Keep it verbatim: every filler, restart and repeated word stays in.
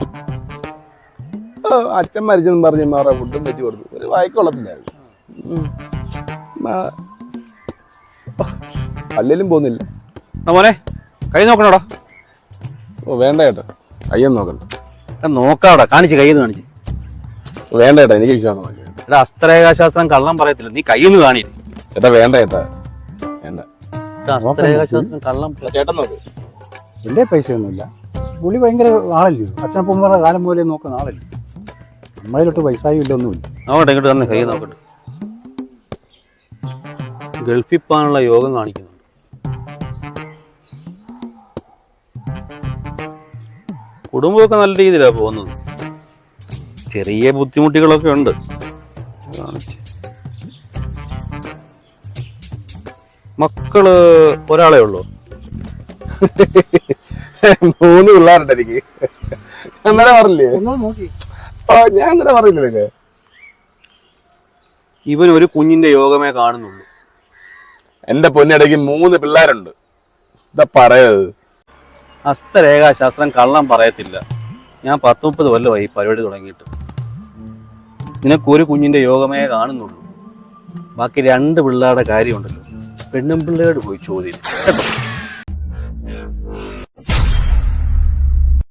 അച്ഛൻ മരിച്ചെന്ന് പറഞ്ഞ് മാറാ ഫുഡും വെച്ച് കൊടുത്തു. ഒരു വായിക്കൊള്ളത്തില്ലായിരുന്നു. അല്ലെങ്കിലും പോകുന്നില്ല. മോനെ കൈ നോക്കണോടാ. ഓ വേണ്ട ചേട്ടാ, കയ്യൊന്നും നോക്കണ്ട. നോക്കാവടാ, കാണിച്ച് കൈന്ന് കാണിച്ച്. വേണ്ട ചേട്ടാ, എനിക്ക് വിശ്വാസം എടാ, അസ്ത്രേഖാശാസ്ത്രം കള്ളം പറയത്തില്ല, നീ കൈയൊന്ന് കാണി. ചേട്ടാ വേണ്ട ചേട്ടാ, വേണ്ട. അസ്ത്രേഖാശാസ്ത്രം കള്ളം ചേട്ടൻ നോക്ക്. എൻ്റെ പൈസ ഒന്നുമില്ല. പുള്ളി ഭയങ്കര ആളല്ലോ, അച്ഛനപ്പന്മാരുടെ കാലം പോലെ നോക്കുന്ന ആളല്ലേ. നമ്മളിലോട്ട് പൈസയും ഇല്ല, ഒന്നുമില്ല. നോക്കട്ടെ, ഇങ്ങോട്ട് തന്നെ കൈ നോക്കട്ടെ. ഗൾഫിൽ പോകാനുള്ള യോഗം കാണിക്കുന്നുണ്ട്. കുടുംബമൊക്കെ നല്ല രീതിയിലാണ് പോകുന്നത്. ചെറിയ ബുദ്ധിമുട്ടുകളൊക്കെ ഉണ്ട്. മക്കള് ഒരാളെ ഉള്ളൂ. മൂന്ന് പിള്ളേരുണ്ട് എനിക്ക്. അന്നേരം പറഞ്ഞില്ലേ? ഞാൻ അങ്ങനെ പറഞ്ഞില്ലേ? ഇവൻ ഒരു കുഞ്ഞിന്റെ യോഗമേ കാണുന്നുള്ളൂ. എന്റെ പൊന്നിടയ്ക്ക് മൂന്ന് പിള്ളേരുണ്ട്. എന്താ പറയത്? ഹസ്തരേഖാശാസ്ത്രം കള്ളം പറയത്തില്ല. ഞാൻ പത്ത് മുപ്പത് കൊല്ലമായി പരിപാടി തുടങ്ങിയിട്ട്. നിനക്കൊരു കുഞ്ഞിന്റെ യോഗമേ കാണുന്നുള്ളൂ. ബാക്കി രണ്ട് പിള്ളേരുടെ കാര്യമുണ്ടല്ലോ, പെണ്ണും പിള്ളേരോട് പോയി ചോദ്യം കേട്ടോ.